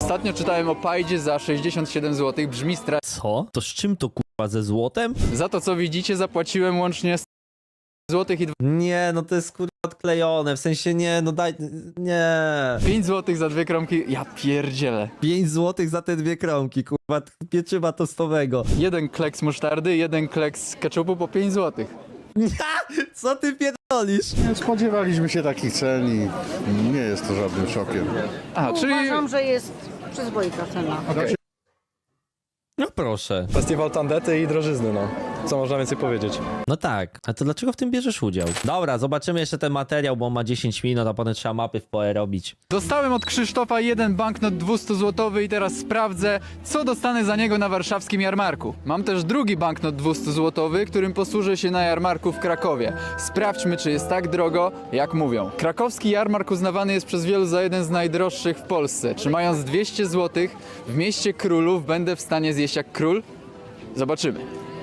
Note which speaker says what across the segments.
Speaker 1: Ostatnio czytałem o pajdzie za 67 zł, brzmi strasznie.
Speaker 2: Co? To z czym to kurwa, ze złotem?
Speaker 1: Za to co widzicie zapłaciłem łącznie 100 zł i
Speaker 2: Nie, no to jest kurwa odklejone, w sensie nie, no daj, nie.
Speaker 1: 5 zł za 2 kromki, ja pierdzielę.
Speaker 2: 5 zł za te 2 kromki, kurwa, pieczywa tostowego.
Speaker 1: Jeden kleks musztardy, jeden kleks ketchupu po 5 zł.
Speaker 2: Co ty pierdolisz?
Speaker 3: Nie spodziewaliśmy się takich cen i nie jest to żadnym szokiem.
Speaker 1: A, czyli...
Speaker 4: Uważam, że jest przyzwoita cena.
Speaker 2: No proszę.
Speaker 5: Festiwal tandety i drożyzny, no. Co można więcej powiedzieć?
Speaker 2: No tak, a to dlaczego w tym bierzesz udział? Dobra, zobaczymy jeszcze ten materiał, bo on ma 10 minut, a potem trzeba mapy w POE robić.
Speaker 1: Dostałem od Krzysztofa jeden banknot 200 zł i teraz sprawdzę, co dostanę za niego na warszawskim jarmarku. Mam też drugi banknot 200 zł, którym posłużę się na jarmarku w Krakowie. Sprawdźmy, czy jest tak drogo, jak mówią. Krakowski jarmark uznawany jest przez wielu za jeden z najdroższych w Polsce. Czy mając 200 zł w mieście królów będę w stanie zjeść jak król? Zobaczymy.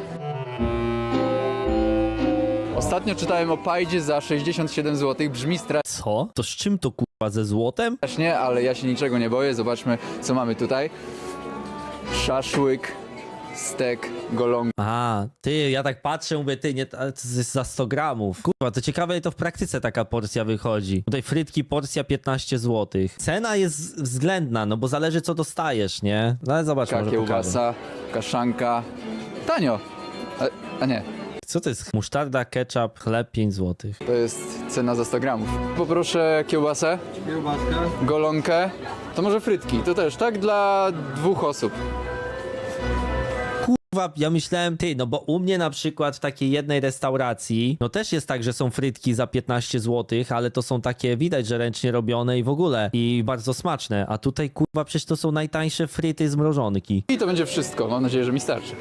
Speaker 1: Ostatnio czytałem o pajdzie za 67 zł, brzmi
Speaker 2: Co? To z czym to kurwa, ze złotem?
Speaker 1: strasznie, ale ja się niczego nie boję. Zobaczmy, co mamy tutaj. Szaszłyk, stek, golonka.
Speaker 2: A, ty, ja tak patrzę, mówię, ty, nie, ale to jest za 100 gramów. Kurwa, to ciekawe, jak to w praktyce taka porcja wychodzi. Tutaj frytki, porcja 15 zł. Cena jest względna, no bo zależy co dostajesz, nie? No ale zobacz, może pokażę.
Speaker 1: Kiełbasa, kaszanka. Tanio. A nie,
Speaker 2: Co to jest? Musztarda, ketchup, chleb 5 zł.
Speaker 1: to jest cena za 100 gramów. Poproszę kiełbasę, golonkę. To może frytki, to też, tak? Dla 2 osób.
Speaker 2: Kurwa, ja myślałem, ty, no bo u mnie na przykład w takiej jednej restauracji, no też jest tak, że są frytki za 15 zł, ale to są takie, widać, że ręcznie robione i w ogóle, i bardzo smaczne. A tutaj, kurwa, przecież to są najtańsze fryty z mrożonki.
Speaker 1: I to będzie wszystko. Mam nadzieję, że mi starczy.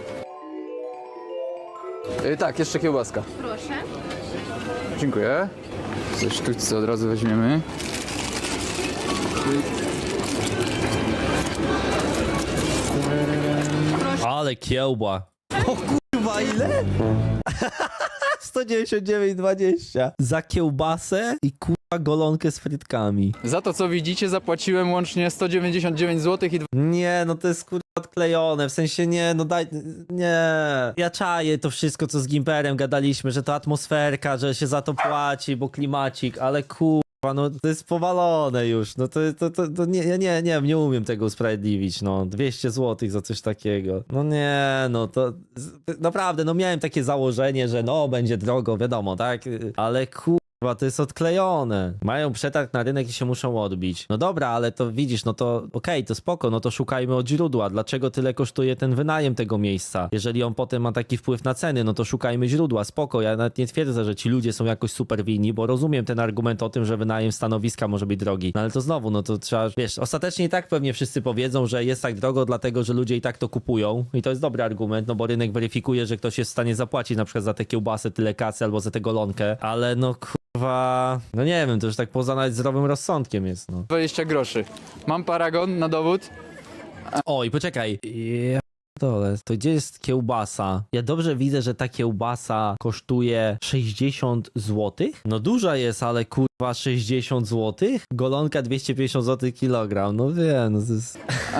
Speaker 1: Tak, jeszcze kiełbaska.
Speaker 4: Proszę.
Speaker 1: Dziękuję. Ze sztućce od razu weźmiemy.
Speaker 2: Ale kiełba. O kurwa, ile? 199,20 za kiełbasę i kurwa golonkę z frytkami.
Speaker 1: Za to co widzicie zapłaciłem łącznie 199 zł i
Speaker 2: Nie, no to jest kurwa odklejone, w sensie nie, no daj, nie. Ja czaję to wszystko, co z Gimperem gadaliśmy, że to atmosferka, że się za to płaci, bo klimacik, ale kurwa, no to jest powalone już, no to nie, ja nie umiem tego usprawiedliwić, no 200 zł za coś takiego. No nie, no to naprawdę, no miałem takie założenie, że no będzie drogo, wiadomo, tak, ale kurwa, to jest odklejone. Mają przetarg na rynek i się muszą odbić. No dobra, ale to widzisz, no to okej, to spoko, no to szukajmy od źródła. Dlaczego tyle kosztuje ten wynajem tego miejsca? Jeżeli on potem ma taki wpływ na ceny, no to szukajmy źródła, spoko. Ja nawet nie twierdzę, że ci ludzie są jakoś super winni, bo rozumiem ten argument o tym, że wynajem stanowiska może być drogi. No ale to znowu, no to trzeba, wiesz, ostatecznie i tak pewnie wszyscy powiedzą, że jest tak drogo, dlatego, że ludzie i tak to kupują. I to jest dobry argument, no bo rynek weryfikuje, że ktoś jest w stanie zapłacić na przykład za tę kiełbasę tyle kasy albo za tę golonkę, ale no kurwa, no nie wiem, to już tak poza nawet zdrowym rozsądkiem jest, no.
Speaker 1: 20 groszy. Mam paragon na dowód.
Speaker 2: Oj, poczekaj. Ja dole, to gdzie jest kiełbasa? Ja dobrze widzę, że ta kiełbasa kosztuje 60 zł. No duża jest, ale kurwa 60 zł? Golonka 250 zł kilogram, no wiem, no to jest...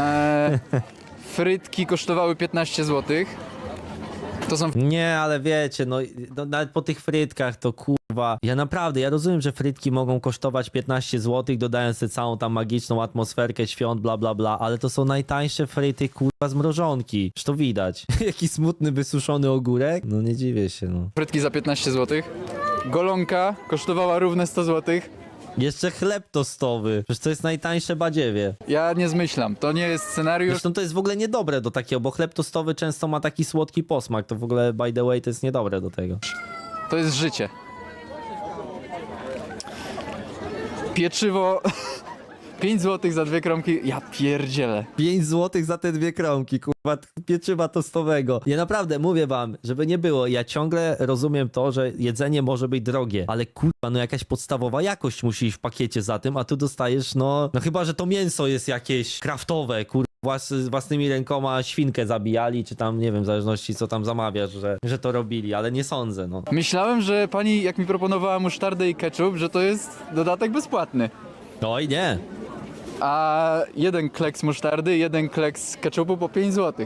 Speaker 1: Frytki kosztowały 15 zł. To są
Speaker 2: Nie, ale wiecie, no nawet po tych frytkach to kurwa, ja naprawdę, ja rozumiem, że frytki mogą kosztować 15 zł, dodając sobie całą tam magiczną atmosferkę świąt, bla bla bla, ale to są najtańsze fryty kurwa z mrożonki, już to widać. Jaki smutny, wysuszony ogórek? No nie dziwię się, no.
Speaker 1: frytki za 15 zł. Golonka kosztowała równe 100 zł.
Speaker 2: Jeszcze chleb tostowy, przecież to jest najtańsze badziewie.
Speaker 1: Ja nie zmyślam, to nie jest scenariusz.
Speaker 2: Zresztą to jest w ogóle niedobre do takiego, bo chleb tostowy często ma taki słodki posmak, to w ogóle by the way to jest niedobre do tego.
Speaker 1: To jest życie. Pieczywo 5 zł za 2 kromki, ja pierdzielę.
Speaker 2: 5 zł za te 2 kromki, kurwa, pieczywa tostowego. Ja naprawdę mówię wam, żeby nie było, ja ciągle rozumiem to, że jedzenie może być drogie, ale kurwa, no jakaś podstawowa jakość musi iść w pakiecie za tym, a tu dostajesz, no chyba, że to mięso jest jakieś kraftowe, kurwa, własnymi rękoma świnkę zabijali, czy tam, nie wiem, w zależności co tam zamawiasz, że to robili, ale nie sądzę, no.
Speaker 1: Myślałem, że pani, jak mi proponowała musztardę i ketchup, że to jest dodatek bezpłatny.
Speaker 2: Oj, nie.
Speaker 1: a jeden kleks musztardy, jeden kleks ketchupu po 5 zł.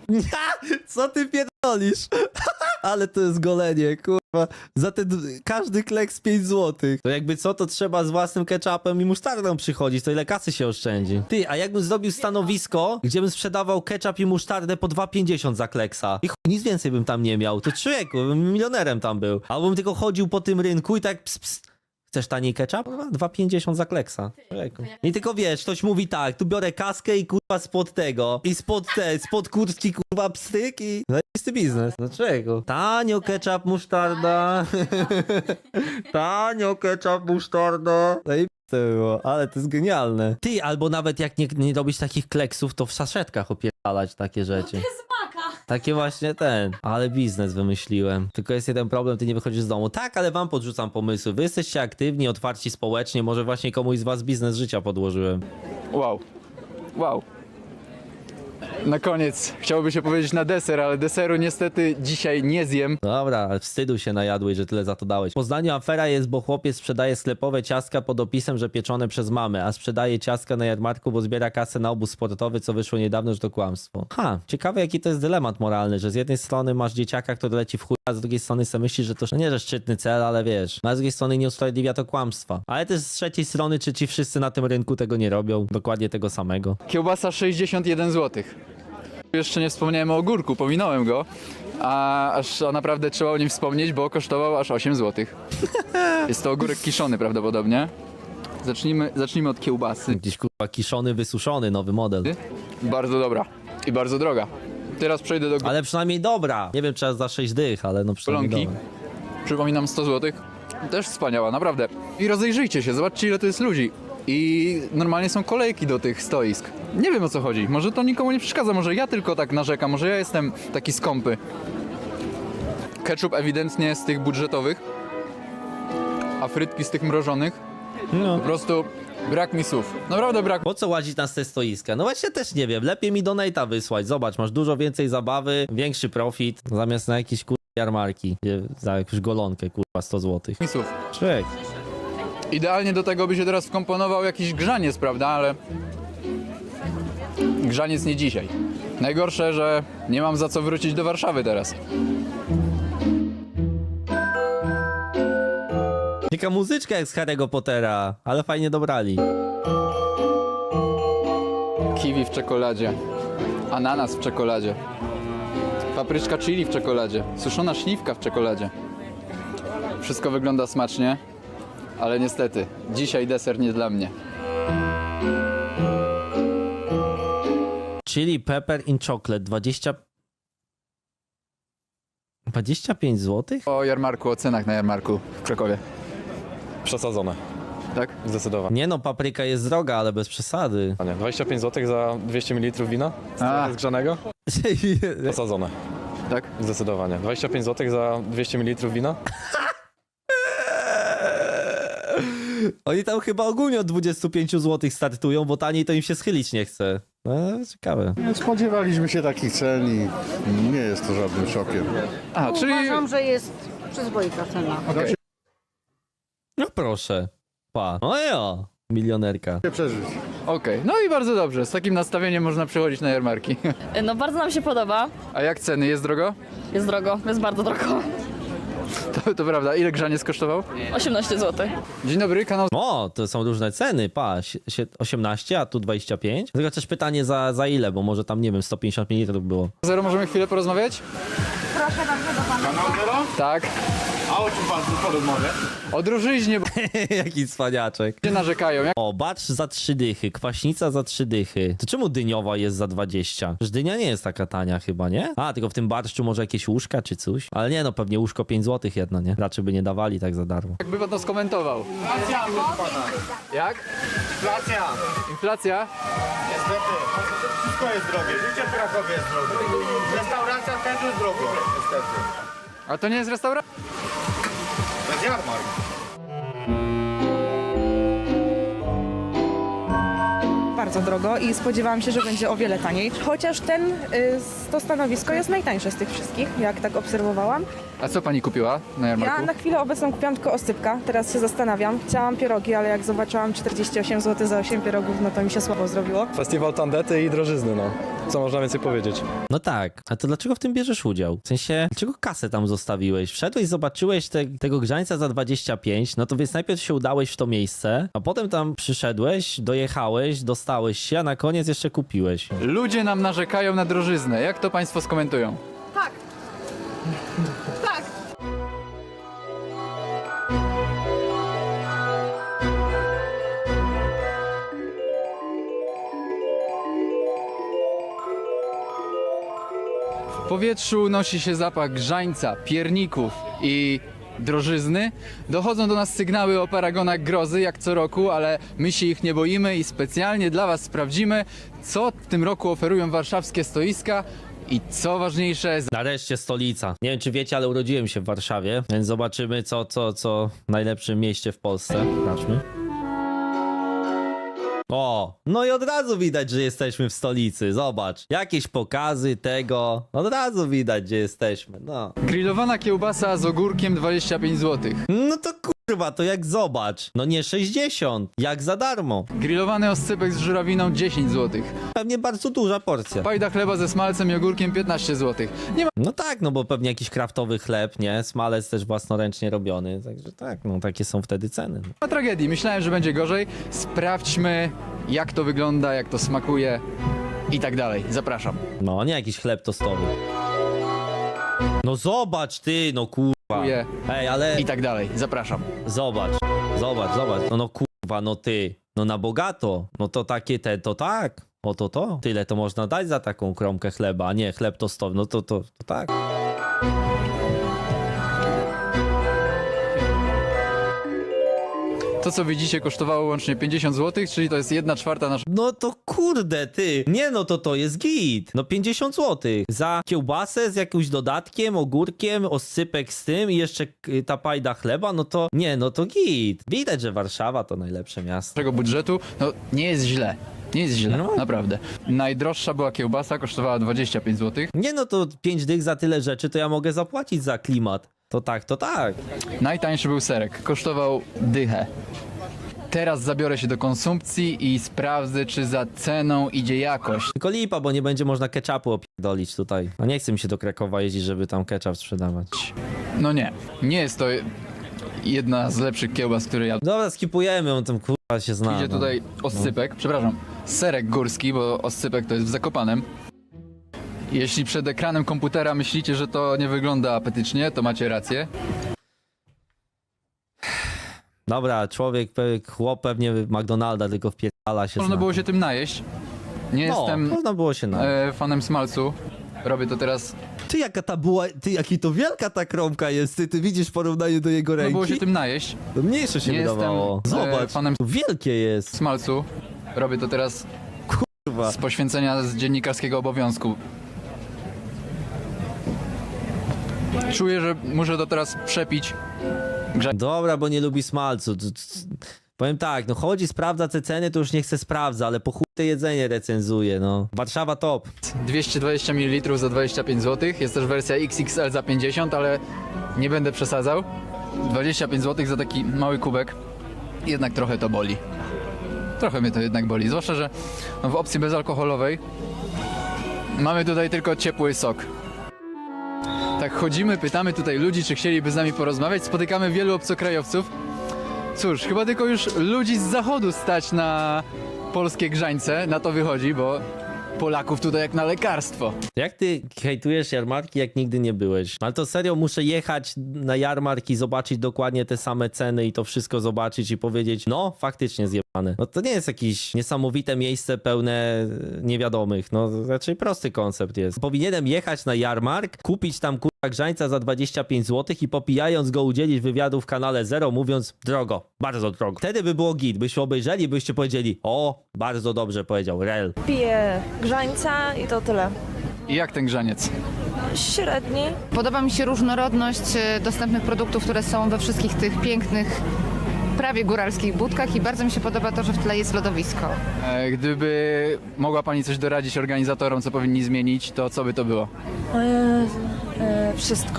Speaker 2: Co ty pierdolisz? Ale to jest golenie, kurwa. Za ten każdy kleks 5 zł. To jakby co, to trzeba z własnym ketchupem i musztardą przychodzić, to ile kasy się oszczędzi. Ty, a jakbym zrobił stanowisko, gdzie bym sprzedawał ketchup i musztardę po 2,50 za kleksa. I chuj, nic więcej bym tam nie miał. To człowieku, bym milionerem tam był. Albo bym tylko chodził po tym rynku i tak ps. Chcesz taniej ketchup? Kurwa, 2,50 za kleksa. Człowieku. I tylko wiesz, ktoś mówi tak, tu biorę kaskę i kurwa spod tego. I spod kurtki kurwa pstryk i... Zajebisty biznes. No czego? Tanio ketchup, musztarda. Tanio ketchup, musztarda. Zajebiste było, ale to jest genialne. Ty, albo nawet jak nie robisz takich kleksów, to w saszetkach opierdalać takie rzeczy. Takie właśnie ale biznes wymyśliłem. Tylko jest jeden problem, ty nie wychodzisz z domu. Tak, ale wam podrzucam pomysły. Wy jesteście aktywni, otwarci społecznie, może właśnie komuś z was biznes życia podłożyłem.
Speaker 1: Wow. Wow. Na koniec chciałoby się powiedzieć na deser, ale deseru niestety dzisiaj nie zjem.
Speaker 2: Dobra, ale wstydu się najadłeś, że tyle za to dałeś. W Poznaniu afera jest, bo chłopiec sprzedaje sklepowe ciastka pod opisem, że pieczone przez mamę, a sprzedaje ciastka na jarmarku, bo zbiera kasę na obóz sportowy, co wyszło niedawno, że to kłamstwo. Ciekawe jaki to jest dylemat moralny, że z jednej strony masz dzieciaka, który leci w chuj, a z drugiej strony sobie myślisz, że to nie, że szczytny cel, ale wiesz. A z drugiej strony nie usprawiedliwia to kłamstwa. Ale też z trzeciej strony, czy ci wszyscy na tym rynku tego nie robią? Dokładnie tego samego.
Speaker 1: Kiełbasa 61 zł. Jeszcze nie wspomniałem o ogórku, pominąłem go, a naprawdę trzeba o nim wspomnieć, bo kosztował aż 8 zł. Jest to ogórek kiszony prawdopodobnie. Zacznijmy od kiełbasy.
Speaker 2: Gdzieś kurwa kiszony, wysuszony, nowy model.
Speaker 1: Bardzo dobra i bardzo droga. Teraz przejdę do
Speaker 2: Ale przynajmniej dobra. Nie wiem, czy za 6 dych, ale no przynajmniej
Speaker 1: golonki.
Speaker 2: dobra.
Speaker 1: Przypominam 100 zł. Też wspaniała, naprawdę. I rozejrzyjcie się, zobaczcie ile to jest ludzi. I normalnie są kolejki do tych stoisk. Nie wiem o co chodzi. Może to nikomu nie przeszkadza, może ja tylko tak narzekam, może ja jestem taki skąpy. Ketchup ewidentnie z tych budżetowych, a frytki z tych mrożonych.
Speaker 2: No.
Speaker 1: Po prostu brak mi słów. Naprawdę brak.
Speaker 2: Po co łazić na te stoiska? No właśnie też nie wiem. Lepiej mi donate'a wysłać. Zobacz, masz dużo więcej zabawy, większy profit, zamiast na jakieś jarmarki, gdzie za jakąś golonkę, kurwa, 100 zł.
Speaker 1: Mi słów.
Speaker 2: Człowiek.
Speaker 1: Idealnie do tego by się teraz wkomponował jakiś grzaniec, prawda? Ale grzaniec nie dzisiaj. Najgorsze, że nie mam za co wrócić do Warszawy teraz.
Speaker 2: Taka muzyczka jak z Harry'ego Pottera, ale fajnie dobrali.
Speaker 1: Kiwi w czekoladzie, ananas w czekoladzie, papryczka chili w czekoladzie, suszona śliwka w czekoladzie. Wszystko wygląda smacznie, ale niestety dzisiaj deser nie dla mnie.
Speaker 2: Chili pepper in chocolate 25 zł?
Speaker 1: O jarmarku, o cenach na jarmarku w Krakowie.
Speaker 5: Przesadzone.
Speaker 1: Tak?
Speaker 5: Zdecydowanie.
Speaker 2: Nie no, papryka jest droga, ale bez przesady.
Speaker 5: 25 zł za 200 ml wina zgrzanego? Przesadzone.
Speaker 1: Tak?
Speaker 5: Zdecydowanie. 25 zł za 200 ml wina?
Speaker 2: Oni tam chyba ogólnie od 25 zł startują, bo taniej to im się schylić nie chce. No, ciekawe.
Speaker 3: Nie spodziewaliśmy się takich cen i nie jest to żadnym szokiem.
Speaker 1: A, czyli...
Speaker 4: Uważam, że jest przyzwoita cena.
Speaker 1: Okej.
Speaker 2: No proszę. Pa. No jo, milionerka.
Speaker 3: Nie przeżyć.
Speaker 1: Okej, no i bardzo dobrze. Z takim nastawieniem można przychodzić na jarmarki.
Speaker 6: No bardzo nam się podoba.
Speaker 1: A jak ceny? Jest drogo?
Speaker 6: Jest drogo, jest bardzo drogo.
Speaker 1: To prawda. Ile grzaniec kosztował?
Speaker 6: 18 zł.
Speaker 1: Dzień dobry, kanał...
Speaker 2: O, to są różne ceny, pa, 18, a tu 25. Tylko też pytanie za ile, bo może tam, nie wiem, 150 ml było.
Speaker 1: Zero, możemy chwilę porozmawiać?
Speaker 4: Proszę bardzo do pana.
Speaker 7: Kanał Zero?
Speaker 1: Tak.
Speaker 7: A o czym pan porozmawia?
Speaker 1: O drużyźnie, bo
Speaker 2: Jaki cwaniaczek.
Speaker 1: ludzie narzekają. Jak
Speaker 2: O, bacz za 3 dychy, kwaśnica za 3 dychy. To czemu dyniowa jest za 20? Przecież dynia nie jest taka tania chyba, nie? A, tylko w tym barszczu może jakieś łóżka czy coś? Ale nie, no pewnie łóżko 5 zł jedno, nie? Raczej by nie dawali tak za darmo.
Speaker 1: by pan to skomentował?
Speaker 7: Inflacja, proszę pana.
Speaker 1: Jak?
Speaker 7: Inflacja.
Speaker 1: Inflacja?
Speaker 7: Niestety. Wszystko jest drogie. Życie w Krakowie jest drogie. Restauracja też jest drogo. Niestety.
Speaker 1: A to nie jest restauracja?
Speaker 7: To jest jarmark.
Speaker 8: Bardzo bardzo drogo i spodziewałam się, że będzie o wiele taniej. Chociaż to stanowisko jest najtańsze z tych wszystkich, jak tak obserwowałam.
Speaker 1: A co pani kupiła na jarmarku?
Speaker 8: Ja na chwilę obecną kupiłam tylko oscypka, teraz się zastanawiam. Chciałam pierogi, ale jak zobaczyłam 48 zł za 8 pierogów, no to mi się słabo zrobiło.
Speaker 5: Festiwal tandety i drożyzny, no. Co można więcej powiedzieć?
Speaker 2: No tak, a to dlaczego w tym bierzesz udział? W sensie, dlaczego kasę tam zostawiłeś? Wszedłeś, zobaczyłeś tego grzańca za 25, no to więc najpierw się udałeś w to miejsce, a potem tam przyszedłeś, dojechałeś, dostałeś się, a na koniec jeszcze kupiłeś.
Speaker 1: Ludzie nam narzekają na drożyznę. Jak to państwo skomentują? W powietrzu unosi się zapach grzańca, pierników i drożyzny. Dochodzą do nas sygnały o paragonach grozy, jak co roku, ale my się ich nie boimy i specjalnie dla was sprawdzimy, co w tym roku oferują warszawskie stoiska i co ważniejsze,
Speaker 2: Nareszcie stolica. Nie wiem, czy wiecie, ale urodziłem się w Warszawie, więc zobaczymy, co w najlepszym mieście w Polsce. Zobaczmy. O, no i od razu widać, że jesteśmy w stolicy. Zobacz, jakieś pokazy tego. Od razu widać, gdzie jesteśmy. No.
Speaker 1: grillowana kiełbasa z ogórkiem 25 zł.
Speaker 2: No to kurwa, to jak zobacz. No nie 60, jak za darmo.
Speaker 1: Grillowany oscypek z żurawiną 10 zł.
Speaker 2: Pewnie bardzo duża porcja.
Speaker 1: Pajda chleba ze smalcem i ogórkiem 15 zł. Nie ma
Speaker 2: No tak, no bo pewnie jakiś kraftowy chleb, nie? Smalec też własnoręcznie robiony. Także tak, no takie są wtedy ceny.
Speaker 1: tragedii. Myślałem, że będzie gorzej. Sprawdźmy, jak to wygląda, jak to smakuje i tak dalej. Zapraszam.
Speaker 2: No, nie jakiś chleb tostowy. No zobacz ty, no kurwa. Ej, ale
Speaker 1: I tak dalej. Zapraszam.
Speaker 2: zobacz. No kurwa, no ty. No na bogato. No to takie to tak. O to. Tyle to można dać za taką kromkę chleba, a nie chleb tostowy. No to tak.
Speaker 1: To, co widzicie, kosztowało łącznie 50 zł, czyli to jest 1/4 naszego
Speaker 2: No to kurde, ty. Nie, no to jest git. No 50 zł. Za kiełbasę z jakimś dodatkiem, ogórkiem, oscypek z tym i jeszcze ta pajda chleba, no to nie, no to git. Widać, że Warszawa to najlepsze miasto.
Speaker 1: budżetu. No, nie jest źle. Nie jest źle,
Speaker 2: No.
Speaker 1: naprawdę. Najdroższa była kiełbasa, kosztowała 25 zł.
Speaker 2: Nie, no to 5 dych za tyle rzeczy, to ja mogę zapłacić za klimat. To tak.
Speaker 1: Najtańszy był serek, kosztował dychę. Teraz zabiorę się do konsumpcji i sprawdzę, czy za ceną idzie jakość.
Speaker 2: Tylko lipa, bo nie będzie można ketchupu opierdolić tutaj. No nie chce mi się do Krakowa jeździć, żeby tam ketchup sprzedawać.
Speaker 1: No nie jest to jedna z lepszych kiełbas, które ja...
Speaker 2: Dobra, skipujemy, on tam kurwa się zna.
Speaker 1: Idzie
Speaker 2: no.
Speaker 1: tutaj oscypek, przepraszam, serek górski, bo oscypek to jest w Zakopanem. Jeśli przed ekranem komputera myślicie, że to nie wygląda apetycznie, to macie rację.
Speaker 2: Dobra, chłop pewnie McDonalda tylko wpierdala się
Speaker 1: Można
Speaker 2: zna.
Speaker 1: było się tym najeść. Nie
Speaker 2: No,
Speaker 1: jestem
Speaker 2: można było się na.
Speaker 1: fanem smalcu. Robię to teraz.
Speaker 2: Ty jaka ta była, ty jaki to wielka ta kromka jest, ty widzisz w porównaniu do jego
Speaker 1: Można
Speaker 2: ręki?
Speaker 1: było się tym najeść.
Speaker 2: To mniejsze się
Speaker 1: Nie
Speaker 2: wydawało.
Speaker 1: jestem,
Speaker 2: Zobacz,
Speaker 1: fanem
Speaker 2: to wielkie jest.
Speaker 1: Smalcu. Robię to teraz
Speaker 2: Kurwa.
Speaker 1: z poświęcenia z dziennikarskiego obowiązku. Czuję, że muszę to teraz przepić.
Speaker 2: Dobra, bo nie lubi smalcu. Powiem tak, no chodzi, sprawdza te ceny, to już nie chce sprawdza, ale po chuj te jedzenie recenzuje, no. Warszawa top.
Speaker 1: 220 ml za 25 zł. Jest też wersja XXL za 50, ale nie będę przesadzał. 25 zł za taki mały kubek. Jednak trochę to boli. Trochę mnie to jednak boli. Zwłaszcza, że w opcji bezalkoholowej mamy tutaj tylko ciepły sok. Tak chodzimy, pytamy tutaj ludzi, czy chcieliby z nami porozmawiać. Spotykamy wielu obcokrajowców. Cóż, chyba tylko już ludzi z zachodu stać na polskie grzańce. Na to wychodzi, bo Polaków tutaj jak na lekarstwo.
Speaker 2: Jak ty hejtujesz jarmarki, jak nigdy nie byłeś? Ale to serio, muszę jechać na jarmark i zobaczyć dokładnie te same ceny i to wszystko zobaczyć i powiedzieć, no faktycznie zjebane. No to nie jest jakieś niesamowite miejsce pełne niewiadomych, no raczej prosty koncept jest. Powinienem jechać na jarmark, kupić tam kurwa grzańca za 25 zł i popijając go udzielić wywiadu w kanale Zero, mówiąc drogo, bardzo drogo. Wtedy by było git, byście obejrzeli, byście powiedzieli, o, bardzo dobrze powiedział, rel.
Speaker 9: Piję grzańca i to tyle.
Speaker 1: I jak ten grzaniec?
Speaker 9: Średni.
Speaker 4: Podoba mi się różnorodność dostępnych produktów, które są we wszystkich tych pięknych prawie góralskich budkach i bardzo mi się podoba to, że w tle jest lodowisko.
Speaker 1: Gdyby mogła pani coś doradzić organizatorom, co powinni zmienić, to co by to było?
Speaker 9: Wszystko.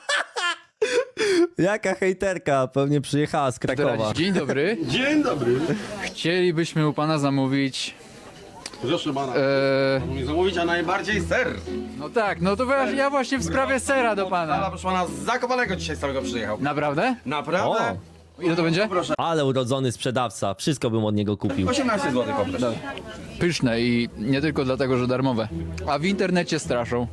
Speaker 2: Jaka hejterka, pewnie przyjechała z Krakowa.
Speaker 1: Doradzić. Dzień dobry.
Speaker 7: Dzień dobry.
Speaker 1: Chcielibyśmy u pana zamówić...
Speaker 7: Proszę pana.
Speaker 1: E,
Speaker 7: Zamówić, a najbardziej ser.
Speaker 1: no tak, no to ja właśnie w sprawie sera do
Speaker 7: Ale
Speaker 1: pana.
Speaker 7: proszę pana, z Zakopanego dzisiaj z całego przyjechał.
Speaker 1: Naprawdę?
Speaker 7: Naprawdę?
Speaker 1: Ile to będzie?
Speaker 7: Proszę.
Speaker 2: Ale urodzony sprzedawca, wszystko bym od niego kupił.
Speaker 7: 18 zł poproszę.
Speaker 1: Pyszne i nie tylko dlatego, że darmowe. A w internecie straszą.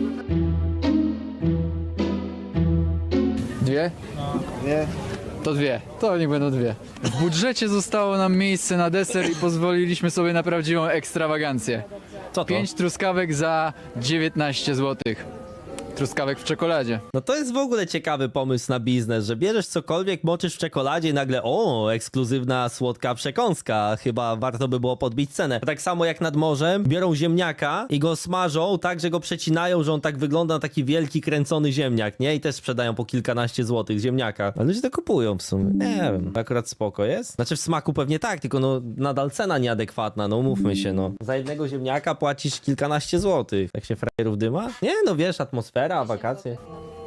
Speaker 1: Dwie?
Speaker 3: Nie.
Speaker 1: To dwie. To niech będą dwie. W budżecie zostało nam miejsce na deser i pozwoliliśmy sobie na prawdziwą ekstrawagancję.
Speaker 2: Co to?
Speaker 1: 5 truskawek za 19 zł. Truskawek w czekoladzie.
Speaker 2: No to jest w ogóle ciekawy pomysł na biznes, że bierzesz cokolwiek, moczysz w czekoladzie i nagle ekskluzywna słodka przekąska. Chyba warto by było podbić cenę. Tak samo jak nad morzem, biorą ziemniaka i go smażą tak, że go przecinają, że on tak wygląda na taki wielki, kręcony ziemniak, nie? I też sprzedają po kilkanaście złotych ziemniaka. A ludzie to kupują w sumie. Nie wiem, akurat spoko jest. Znaczy w smaku pewnie tak, tylko no nadal cena nieadekwatna, no umówmy się, no. Za jednego ziemniaka płacisz kilkanaście złotych. Tak się frajerów dyma? Nie, no wiesz, atmosfera, wakacje.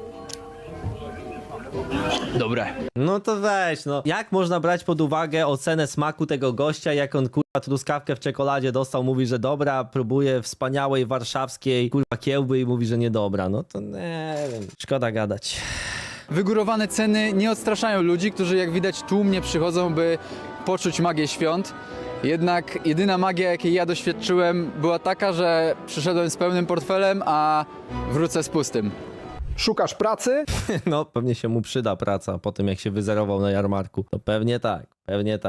Speaker 1: Dobre.
Speaker 2: No to weź, no. Jak można brać pod uwagę ocenę smaku tego gościa, jak on kurwa truskawkę w czekoladzie dostał, mówi, że dobra, próbuje wspaniałej warszawskiej kurwa kiełby i mówi, że niedobra. No to nie wiem. Szkoda gadać.
Speaker 1: Wygórowane ceny nie odstraszają ludzi, którzy jak widać tłumnie przychodzą, by poczuć magię świąt. Jednak jedyna magia, jakiej ja doświadczyłem, była taka, że przyszedłem z pełnym portfelem, a wrócę z pustym.
Speaker 10: Szukasz pracy?
Speaker 2: No pewnie się mu przyda praca po tym, jak się wyzerował na jarmarku. To pewnie tak, pewnie tak.